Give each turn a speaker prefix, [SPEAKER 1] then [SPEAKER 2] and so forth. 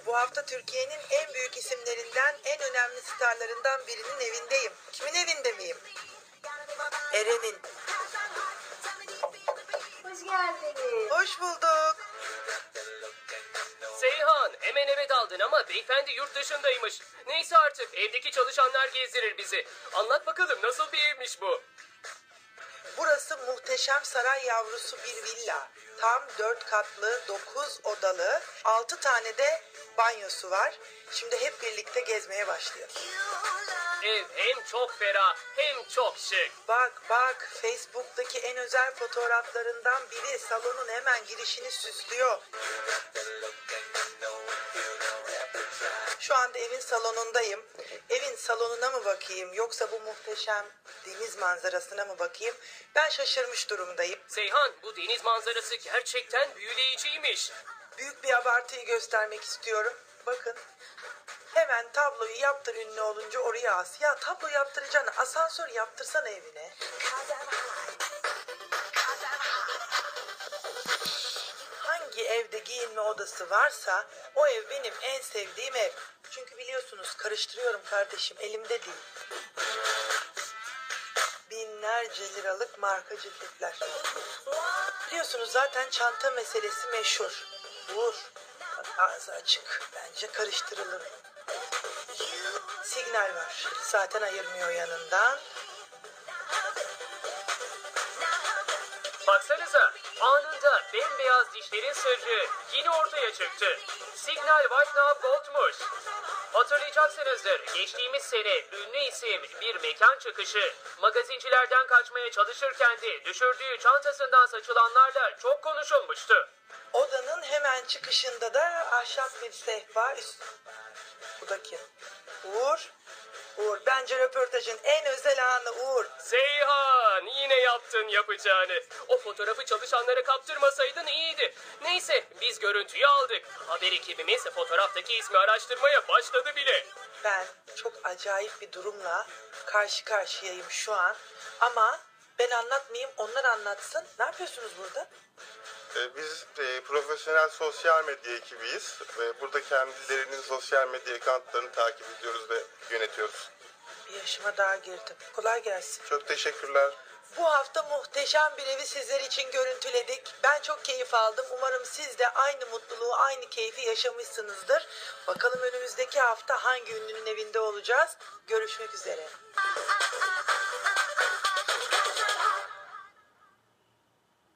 [SPEAKER 1] Bu hafta Türkiye'nin en büyük isimlerinden, en önemli starlarından birinin evindeyim. Kimin evinde miyim? Eren'in.
[SPEAKER 2] Hoş geldiniz.
[SPEAKER 1] Hoş bulduk.
[SPEAKER 3] Seyhan, hemen eve daldın ama beyefendi yurt dışındaymış. Neyse artık, evdeki çalışanlar gezdirir bizi. Anlat bakalım, nasıl bir evmiş bu?
[SPEAKER 1] Burası muhteşem saray yavrusu bir villa. Tam 4 katlı, 9 odalı, 6 tane de banyosu var. Şimdi hep birlikte gezmeye başlayalım.
[SPEAKER 3] Ev hem çok ferah, hem çok şık.
[SPEAKER 1] Bak, Facebook'taki en özel fotoğraflarından biri salonun hemen girişini süslüyor. Şu anda evin salonundayım. Evin salonuna mı bakayım yoksa bu muhteşem deniz manzarasına mı bakayım? Ben şaşırmış durumdayım.
[SPEAKER 3] Seyhan, bu deniz manzarası gerçekten büyüleyiciymiş.
[SPEAKER 1] Büyük bir abartıyı göstermek istiyorum. Bakın. Hemen tabloyu yaptır ünlü olunca oraya as. Ya tablo yaptıracağına asansör yaptırsana evine. Hangi evde giyinme odası varsa o ev benim en sevdiğim ev. Çünkü biliyorsunuz karıştırıyorum kardeşim, elimde değil. Binlerce liralık marka ceketler. Biliyorsunuz zaten çanta meselesi meşhur. Vur. Bak ağzı açık. Bence karıştırılır. Signal var. Zaten ayırmıyor yanından.
[SPEAKER 3] Baksanıza, anında bembeyaz dişlerin sırrı yine ortaya çıktı. Signal White Now Gold'muş. Hatırlayacaksınızdır, geçtiğimiz sene ünlü isim bir mekan çıkışı magazincilerden kaçmaya çalışırken de düşürdüğü çantasından saçılanlarla çok konuşulmuştu.
[SPEAKER 1] Odanın hemen çıkışında da ahşap bir sehpa üst. Bu da kim? Uğur. Uğur. Bence röportajın en özel anı Uğur.
[SPEAKER 3] Seyhan, yine yaptın yapacağını. O fotoğrafı çalışanlara kaptırmasaydın iyiydi. Neyse, biz görüntüyü aldık. Haber ekibimiz fotoğraftaki ismi araştırmaya başladı bile.
[SPEAKER 1] Ben çok acayip bir durumla karşı karşıyayım şu an. Ama ben anlatmayayım, onlar anlatsın. Ne yapıyorsunuz burada?
[SPEAKER 4] Biz profesyonel sosyal medya ekibiyiz ve burada kendilerinin sosyal medya accountlarını takip ediyoruz ve yönetiyoruz.
[SPEAKER 1] Bir yaşıma daha girdim. Kolay gelsin.
[SPEAKER 4] Çok teşekkürler.
[SPEAKER 1] Bu hafta muhteşem bir evi sizler için görüntüledik. Ben çok keyif aldım. Umarım siz de aynı mutluluğu, aynı keyfi yaşamışsınızdır. Bakalım önümüzdeki hafta hangi ünlünün evinde olacağız? Görüşmek üzere.